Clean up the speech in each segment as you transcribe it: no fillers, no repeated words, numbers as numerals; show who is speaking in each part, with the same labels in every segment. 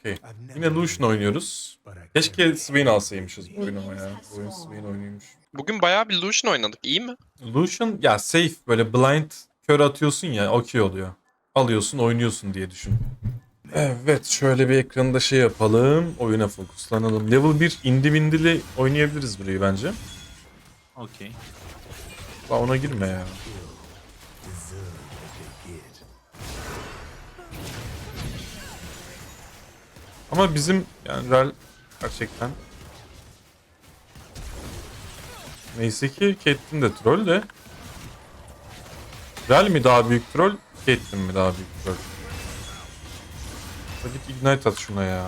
Speaker 1: Okey. Yine Lucian oynuyoruz. Keşke Swain alsaymışız bu oyunu ama ya. Bu oyun Swain oynuyormuş.
Speaker 2: Bugün bayağı bir Lucian oynadık. İyi mi?
Speaker 1: Lucian ya safe böyle blind kör atıyorsun ya okey oluyor. Alıyorsun oynuyorsun diye düşün. Evet şöyle bir ekranda şey yapalım. Oyuna fokuslanalım. Level 1 indi bindili oynayabiliriz burayı bence.
Speaker 3: Okey.
Speaker 1: La ona girme ya. Ama bizim yani Rel gerçekten neyse ki Caitlyn de troll de. Rel mi daha büyük troll, Caitlyn mi daha büyük troll? Hadi ignite at şuna ya.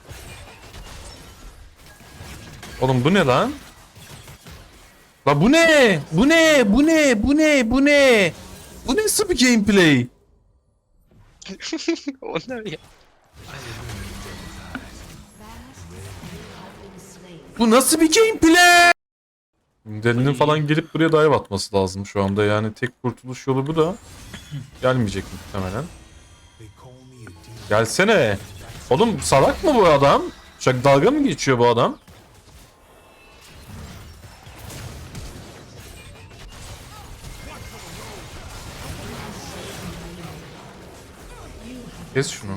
Speaker 1: Oğlum bu ne lan? La bu ne? Bu ne? Bu ne? Bu ne? Bu ne? Bu nasıl bir gameplay?
Speaker 2: O ne ya?
Speaker 1: Bu nasıl bir gameplay? Delinin falan gelip buraya dive atması lazım şu anda. Yani tek kurtuluş yolu bu da. Gelmeyecek muhtemelen. Gelsene. Oğlum salak mı bu adam? Çok dalga mı geçiyor bu adam? Kes şunu.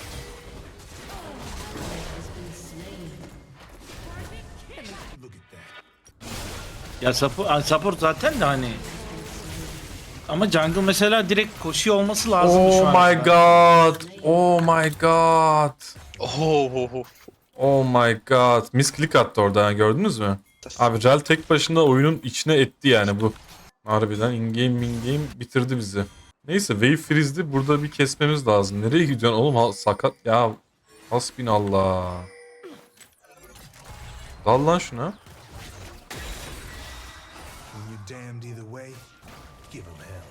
Speaker 3: Ya support zaten de hani. Ama jungle mesela direkt koşuyor olması lazım şu
Speaker 1: Oh
Speaker 3: an.
Speaker 1: my god. Oh my god.
Speaker 2: Oh.
Speaker 1: Oh my god. Misclick attı orada ha, gördünüz mü? Abi Rel tek başına oyunun içine etti yani bu. Harbiden in-game bitirdi bizi. Neyse Wave Freeze'di. Burada bir kesmemiz lazım. Nereye gidiyorsun oğlum? Sakat ya. Hasbinallah. Dal lan şuna.
Speaker 4: When you're damned either way, give 'em hell.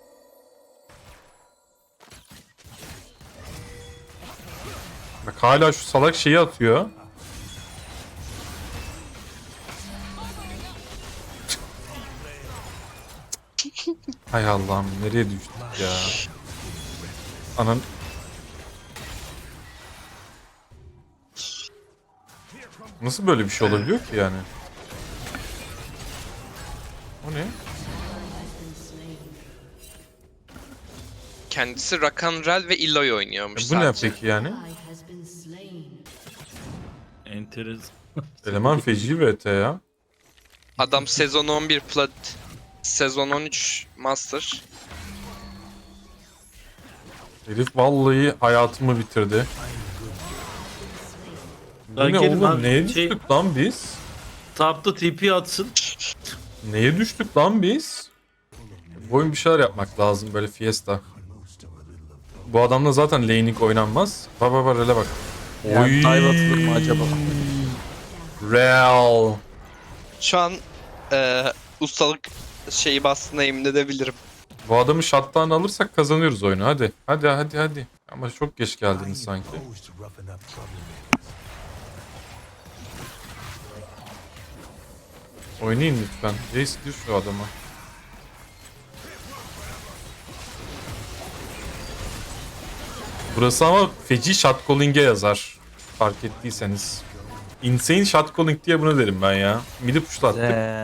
Speaker 1: Bak hala şu salak şeyi atıyor. Hay Allah'ım nereye düştük ya. Anan. Nasıl böyle bir şey olabiliyor ki yani? O ne?
Speaker 2: Kendisi Rakan Rel ve Illaoi oynuyormuş
Speaker 1: Bu ne
Speaker 2: sadece.
Speaker 1: peki yani?
Speaker 3: Enteresan.
Speaker 1: Eleman feci VT ya.
Speaker 2: Adam sezon 11 plat, sezon 13 master.
Speaker 1: Herif vallahi hayatımı bitirdi. Bu ne
Speaker 3: Kerim
Speaker 1: oğlum?
Speaker 3: abi,
Speaker 1: Neye düştük lan biz?
Speaker 3: Tapta TP atsın.
Speaker 1: Neye düştük lan biz? Bu oyun bir şeyler yapmak lazım böyle fiesta. Bu adamla zaten laning oynanmaz. Bak bak bak hele bak.
Speaker 3: Yani dive atılır mı acaba?
Speaker 1: Real.
Speaker 2: Şu an ustalık şeyi bastığına emin edebilirim.
Speaker 1: Bu adamı shutdown alırsak kazanıyoruz oyunu. Hadi. Hadi hadi hadi. Ama çok geç
Speaker 4: I
Speaker 1: geldiniz
Speaker 4: ain't
Speaker 1: sanki.
Speaker 4: opposed to roughing up troublemakers.
Speaker 1: Oynayın lütfen. Jace gir şu adama. Burası ama feci shotcalling'e yazar. Fark ettiyseniz. Insane shotcalling diye bunu derim ben ya. Midi pushlattık.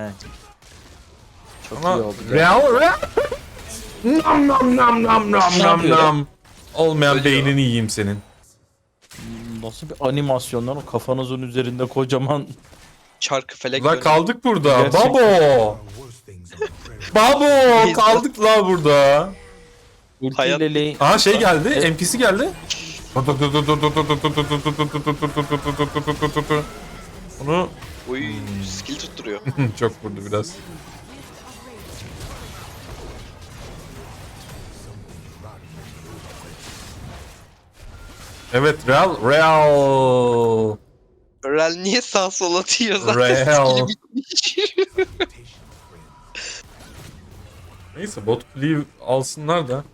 Speaker 5: Çok
Speaker 1: Ama
Speaker 5: iyi oldu.
Speaker 1: real. Nam nam nam nam nam nam
Speaker 5: yapıyor
Speaker 1: nam. Olmayan
Speaker 2: Ölüyor.
Speaker 1: beynini yiyeyim senin.
Speaker 5: Nasıl bir animasyonlar o kafanızın üzerinde kocaman.
Speaker 2: Çarkı felek
Speaker 1: La
Speaker 2: dönüyor.
Speaker 1: kaldık burada.
Speaker 5: Gerçekten.
Speaker 1: Babo.
Speaker 4: Worst things on the prairie.
Speaker 1: Babo.
Speaker 2: Biz-
Speaker 1: Kaldık la burada.
Speaker 2: Hayat-
Speaker 5: Ultiyle lane.
Speaker 1: Aha şey geldi.
Speaker 5: Evet.
Speaker 1: NPC geldi. Onu
Speaker 2: Uy, skill tutturuyor.
Speaker 1: çok vurdu biraz. Evet Real.
Speaker 2: Rel niye sağ sol atıyor zaten
Speaker 1: Real.
Speaker 2: skill'i bitmiş.
Speaker 1: Neyse bot cleave alsınlar da.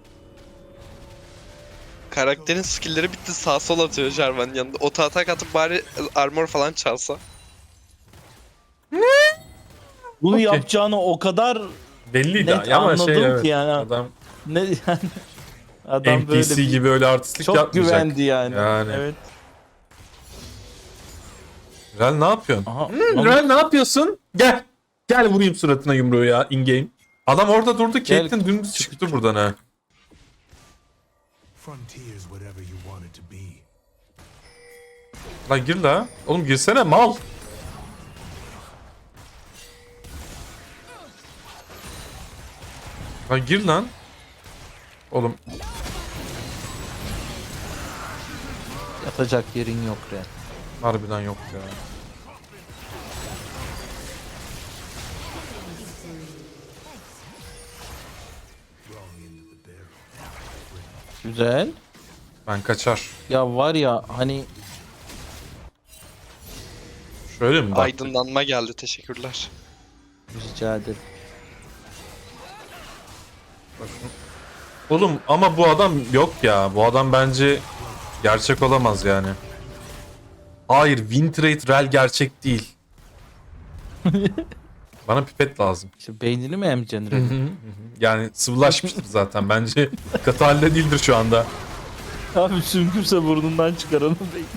Speaker 2: Karakterin skill'leri bitti, sağ sol atıyor Jarvan'ın yanında. Ota atak atıp bari armor falan çalsa.
Speaker 5: Bunu
Speaker 1: Okey.
Speaker 5: yapacağını o kadar
Speaker 1: Belliydi
Speaker 5: net
Speaker 1: ama
Speaker 5: anladım
Speaker 1: şey evet.
Speaker 5: ki yani.
Speaker 1: Adam
Speaker 5: ne yani adam böyle
Speaker 1: NPC
Speaker 5: bir-
Speaker 1: gibi öyle artistlik
Speaker 5: çok
Speaker 1: yapmayacak.
Speaker 5: güvendi yani.
Speaker 1: Yani.
Speaker 5: Evet.
Speaker 1: Rel ne yapıyorsun?
Speaker 5: Aha,
Speaker 1: Rel ne yapıyorsun? Gel. Gel vurayım suratına yumruğu ya in game. Adam orada durdu.
Speaker 5: Gel.
Speaker 1: Caitlyn dümdüz çıktı buradan ha.
Speaker 4: Frontier's whatever you want it to be.
Speaker 1: Lan gir la. Oğlum girsene mal. Lan gir lan. Oğlum
Speaker 5: yatacak yerin yok Ren.
Speaker 1: harbiden yok ya.
Speaker 5: Güzel.
Speaker 1: Ben kaçar.
Speaker 5: Ya var ya hani
Speaker 1: Şöyle mi bak?
Speaker 2: Aydınlanma geldi, teşekkürler.
Speaker 5: rica ederim.
Speaker 1: Oğlum ama bu adam yok ya. Bu adam bence gerçek olamaz yani. Hayır, Wintrate Rel gerçek değil. Bana pipet lazım.
Speaker 5: İşte beynini mi emeceksin Ren'in?
Speaker 1: Yani sıvılaşmıştır zaten. Bence katı halde değildir şu anda.
Speaker 5: Abi sümkürse burnundan çıkaranı beyin.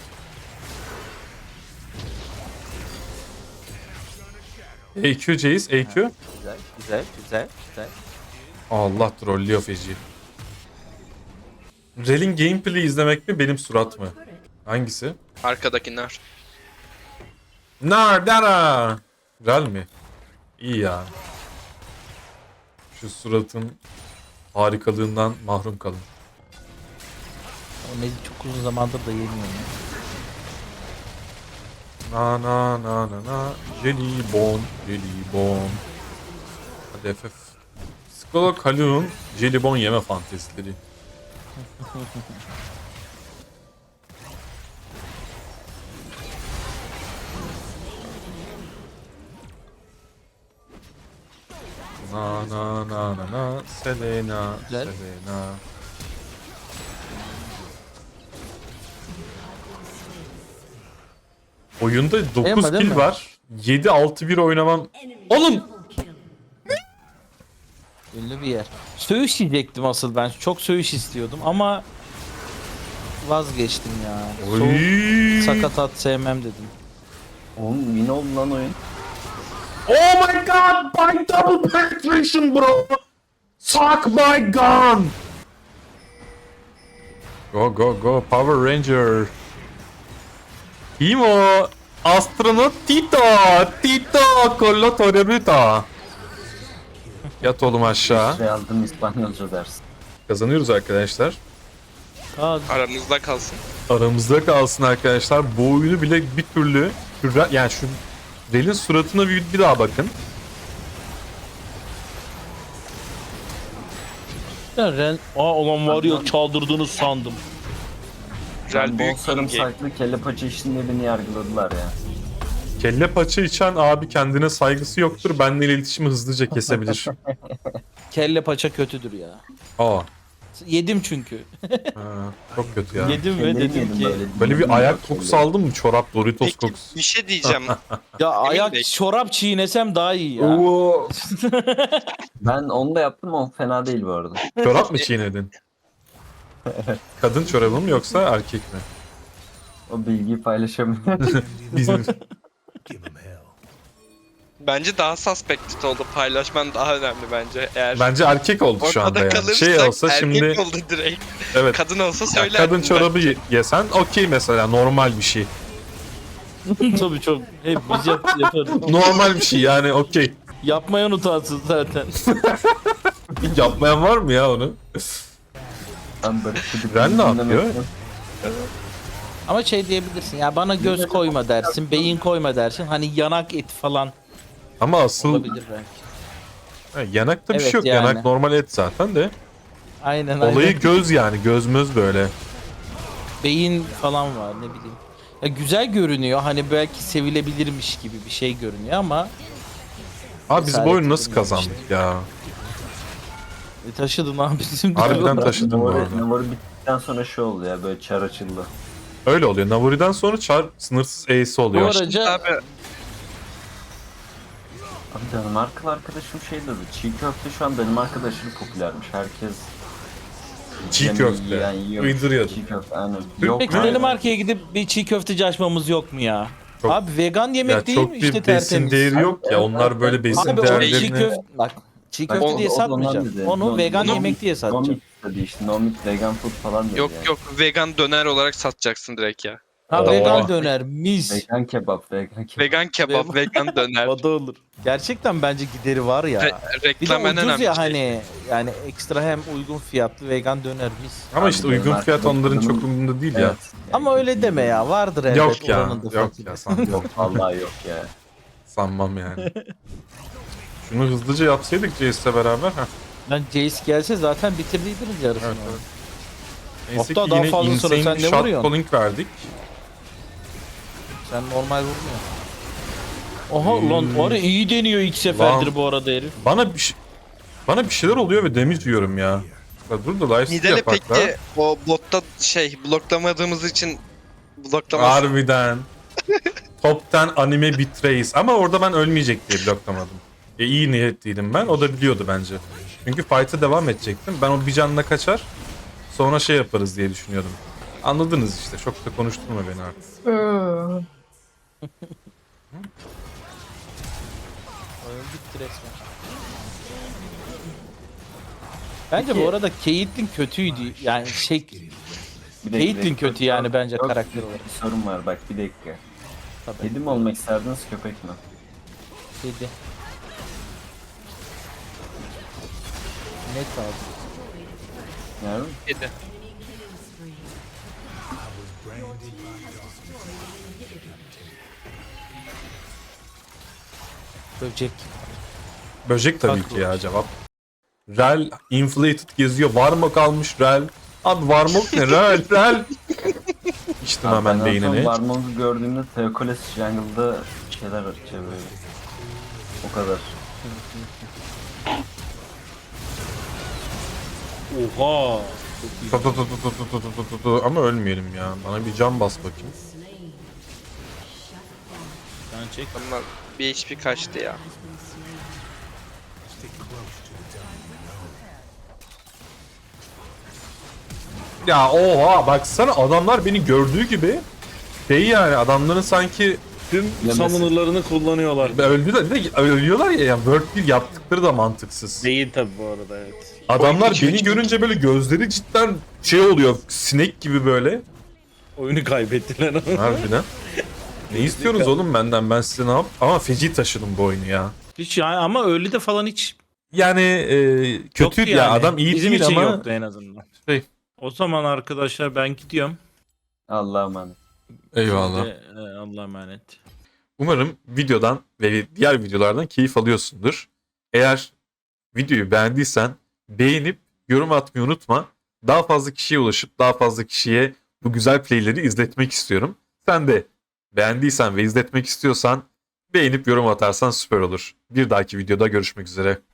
Speaker 1: AQ Jace, AQ.
Speaker 5: Güzel, güzel, güzel, güzel.
Speaker 1: Allah trollüyor feci. Rel'in gameplay'i izlemek mi benim surat mı? Hangisi?
Speaker 2: Arkadakiler.
Speaker 1: Nardara. Rel mi? İyi ya. Şu suratın harikalığından mahrum kalın.
Speaker 5: O Mezi çok uzun zamandır da yemiyorum.
Speaker 1: Na na na na na. Jelibon, jelibon. Hadi FF. Psikolog Haluk'un jelibon yeme fantezileri. Na na na na na. Selena,
Speaker 5: Güzel.
Speaker 1: Selena. Oyunda 9
Speaker 5: Beğenmedin
Speaker 1: kill
Speaker 5: mi?
Speaker 1: var. 7-6-1 oynamam. Oğlum!
Speaker 5: Ünlü bir yer. Söğüş yiyecektim asıl ben. Çok söğüş istiyordum ama vazgeçtim ya. Soğuk
Speaker 1: Oy!
Speaker 5: sakatat sevmem dedim.
Speaker 6: Oğlum win oldu lan oyun.
Speaker 1: Oh my god! My double penetration bro! Suck my gun! Go go go Power Ranger. Imo! Astronot Tito! Tito! Collo Torreruta! Yat oğlum aşağı.
Speaker 6: Şey aldım İspanyolca dersi.
Speaker 1: Kazanıyoruz arkadaşlar.
Speaker 5: Aa,
Speaker 2: Aranızda kalsın.
Speaker 1: Aramızda kalsın arkadaşlar. Bu oyunu bile bir türlü yani şu Rel'in suratına bir daha bakın.
Speaker 5: ya Ren... Aa ulan var ya çaldırdığını sandım.
Speaker 2: Rel
Speaker 6: Ben bol
Speaker 2: büyük game.
Speaker 6: sarımsaklı kelle paça içinde beni yargıladılar ya.
Speaker 1: Kelle paça içen abi kendine saygısı yoktur. Benimle iletişimi hızlıca kesebilir.
Speaker 5: Kelle paça kötüdür ya.
Speaker 1: Aa.
Speaker 5: Yedim çünkü.
Speaker 1: Ha, çok kötü ya.
Speaker 5: Yedim ve
Speaker 6: Kelleyi
Speaker 5: dedim
Speaker 6: yedim
Speaker 5: ki
Speaker 1: Böyle bir
Speaker 6: Bilmiyorum
Speaker 1: ayak
Speaker 6: kelle.
Speaker 1: kokusu aldın mı? Çorap, Doritos
Speaker 2: Peki
Speaker 1: kokusu.
Speaker 2: bir şey diyeceğim.
Speaker 5: ya ayak
Speaker 2: Bey.
Speaker 5: çorap çiğnesem daha iyi ya.
Speaker 1: Oo.
Speaker 6: Ben onu da yaptım ama fena değil bu arada.
Speaker 1: Çorap mı çiğnedin? Kadın çorabı mı yoksa erkek mi?
Speaker 6: O bilgiyi paylaşamıyorum.
Speaker 1: Bizim.
Speaker 4: Give him hell.
Speaker 2: Bence daha suspected oldu. Paylaşman daha önemli bence. Eğer
Speaker 1: Bence erkek oldu şu anda
Speaker 2: ortada
Speaker 1: yani.
Speaker 2: kalırsak
Speaker 1: Şey olsa
Speaker 2: erkek
Speaker 1: şimdi
Speaker 2: oldu direkt.
Speaker 1: evet.
Speaker 2: Kadın olsa
Speaker 1: Ya
Speaker 2: söylerdim.
Speaker 1: kadın çorabı yesen okey mesela normal bir şey.
Speaker 5: Tabii çok. Hep biz yaparız.
Speaker 1: Normal bir şey yani okey.
Speaker 5: Yapmayan utansın zaten.
Speaker 1: Yapmayan var mı ya onu?
Speaker 6: Ben böyle
Speaker 1: Ren ne yapıyor?
Speaker 5: Ama şey diyebilirsin ya bana göz koyma dersin, beyin koyma dersin. Hani yanak eti falan
Speaker 1: Ama asıl
Speaker 5: olabilir belki.
Speaker 1: yanakta bir
Speaker 5: Evet,
Speaker 1: şey yok.
Speaker 5: yani.
Speaker 1: Yanak normal et zaten de.
Speaker 5: Aynen
Speaker 1: Olayı
Speaker 5: aynen.
Speaker 1: göz yani gözmöz böyle.
Speaker 5: Beyin falan var ne bileyim. Ya güzel görünüyor hani belki sevilebilirmiş gibi bir şey görünüyor ama
Speaker 1: Abi biz bu
Speaker 5: Cesaret
Speaker 1: oyunu nasıl
Speaker 5: edemiyorum
Speaker 1: kazandık ya?
Speaker 5: taşıdın abi bizim de.
Speaker 1: Harbiden taşıdım bu arada.
Speaker 6: Navarı bittikten sonra şey oldu ya böyle çar açıldı.
Speaker 1: Öyle oluyor. Navuri'den sonra Char sınırsız Ace
Speaker 5: Bu
Speaker 1: oluyor.
Speaker 5: araca
Speaker 2: Abi
Speaker 6: Abi Danimarkalı arkadaşım şey dedi. Çiğ köfte şu an Danimarka'da aşırı popülermiş. Herkes
Speaker 1: Çiğ
Speaker 6: yani
Speaker 1: köfte.
Speaker 6: yiyor.
Speaker 1: Uyduruyordum.
Speaker 6: Çiğ köfte aynen.
Speaker 1: Türk
Speaker 6: Yok
Speaker 5: peki
Speaker 1: mü?
Speaker 6: mu?
Speaker 5: Danimarka'ya gidip bir çiğ köfteci açmamız yok mu ya?
Speaker 1: Çok-
Speaker 5: Abi vegan yemek
Speaker 1: Ya
Speaker 5: değil
Speaker 1: çok
Speaker 5: mi
Speaker 1: bir
Speaker 5: işte
Speaker 1: besin
Speaker 5: tertemiz.
Speaker 1: değeri yok ya. Onlar böyle besin
Speaker 5: Abi o çiğ
Speaker 1: değerlerini...
Speaker 5: köfte bak çiğ
Speaker 6: Bak,
Speaker 5: köfte diye
Speaker 6: o da ondan
Speaker 5: satmayacağım.
Speaker 6: dedi.
Speaker 5: Onu vegan
Speaker 6: No
Speaker 5: yemek diye
Speaker 6: meat
Speaker 5: satacağım.
Speaker 6: dedi işte. No meat vegan food falan dedi
Speaker 2: Yok
Speaker 6: yani.
Speaker 2: yok vegan döner olarak satacaksın direkt ya.
Speaker 5: Ha
Speaker 1: Oo.
Speaker 5: vegan döner mis.
Speaker 6: Vegan kebap, vegan kebap.
Speaker 2: Vegan kebap, vegan döner.
Speaker 5: O da olur. Gerçekten bence gideri var ya. Bir de
Speaker 2: Reklam en
Speaker 5: ucuz
Speaker 2: önemli
Speaker 5: ya
Speaker 2: şey.
Speaker 5: hani yani ekstra hem uygun fiyatlı vegan döner mis.
Speaker 1: Ama
Speaker 6: Abi
Speaker 1: işte
Speaker 6: benim
Speaker 1: uygun fiyat onların
Speaker 6: arkadaşlarımın-
Speaker 1: çok umurunda değil ya.
Speaker 6: Evet.
Speaker 5: Ama öyle deme ya vardır elbet
Speaker 1: Yok ya.
Speaker 5: oranın da
Speaker 1: Yok
Speaker 5: fakiri.
Speaker 1: ya sanmam.
Speaker 6: Yok vallahi yok ya.
Speaker 1: Sanmam yani. Şunu hızlıca yapsaydık Jace'le beraber. Heh.
Speaker 5: Lan Jace gelse zaten bitirdiydiniz yarısını.
Speaker 1: Evet, evet. Neyse
Speaker 5: Hatta
Speaker 1: ki
Speaker 5: daha
Speaker 1: yine
Speaker 5: fazla sonra
Speaker 1: insane
Speaker 5: sen ne
Speaker 1: shot
Speaker 5: vuruyorsun?
Speaker 1: calling verdik.
Speaker 5: Sen normal vurmuyorsun. Oha lan var ya iyi deniyor ilk seferdir
Speaker 1: Lan.
Speaker 5: bu arada herif.
Speaker 1: Bana bir şeyler oluyor ve damage yiyorum ya. Ya dur da life
Speaker 2: Nidale
Speaker 1: yapak
Speaker 2: peki
Speaker 1: da.
Speaker 2: o botta bloklamadığımız için bloklaması.
Speaker 1: Harbiden. Top 10 anime betrays. Ama orada ben ölmeyecek diye bloklamadım. İyi niyetliydim ben. O da biliyordu bence. Çünkü fight'a devam edecektim. Ben o bir canla kaçar. Sonra şey yaparız diye düşünüyordum. Anladınız işte. Çok da konuşturma beni artık.
Speaker 5: Oyun bitti resmen. Bence
Speaker 6: Peki-
Speaker 5: bu arada Caitlyn kötüydü. Yani şey
Speaker 6: Bir dakika,
Speaker 5: Caitlyn kötü yani bence
Speaker 6: Yok,
Speaker 5: karakter olarak.
Speaker 6: Bir sorun var bak bir dakika.
Speaker 5: Tabii.
Speaker 6: Kedi mi olmak isterdiniz köpek mi?
Speaker 5: Kedi. Net abi.
Speaker 6: Yani
Speaker 2: Kedi.
Speaker 5: Böcek.
Speaker 1: Böcek tabii ki ya cevap. Rel inflated geziyor. Var mı kalmış Rel? Abi Varmok ne? Rel. İçtim hemen beynini.
Speaker 6: Varmong'u gördüğümde Theokoles Jungle'da şeyler açıyor böyle. O kadar.
Speaker 3: Oha.
Speaker 1: Ama ölmeyelim ya. Bana bir can bas bakayım.
Speaker 3: Sen çek.
Speaker 2: Ama bir HP kaçtı ya.
Speaker 1: Ya oha baksana adamlar beni gördüğü gibi şey yani adamların sanki
Speaker 3: Tüm summoner'larını kullanıyorlar.
Speaker 1: öldüler de ölüyorlar ya yani World 1 yaptıkları da mantıksız.
Speaker 3: Değil tabi bu arada evet.
Speaker 1: Adamlar
Speaker 2: Oyun
Speaker 1: beni
Speaker 2: içi-
Speaker 1: görünce böyle gözleri cidden şey oluyor sinek gibi böyle.
Speaker 3: Oyunu kaybettiler ama.
Speaker 1: Harbiden. Ne istiyorsunuz oğlum benden ben size ne yap? Ama feci taşıdım bu oyunu ya.
Speaker 3: Hiç yani ama öyle de falan hiç
Speaker 1: Yani kötü
Speaker 3: yoktu
Speaker 1: ya
Speaker 3: yani.
Speaker 1: adam iyi
Speaker 3: Bizim
Speaker 1: değil
Speaker 3: için
Speaker 1: ama
Speaker 3: yoktu en azından.
Speaker 1: Şey.
Speaker 3: O zaman arkadaşlar ben gidiyorum.
Speaker 6: Allah'a emanet.
Speaker 1: eyvallah.
Speaker 3: Allah'a emanet.
Speaker 1: Umarım videodan ve diğer videolardan keyif alıyorsundur. Eğer videoyu beğendiysen beğenip yorum atmayı unutma. Daha fazla kişiye ulaşıp daha fazla kişiye bu güzel playleri izletmek istiyorum. Sen de beğendiysen ve izletmek istiyorsan beğenip yorum atarsan süper olur. Bir dahaki videoda görüşmek üzere.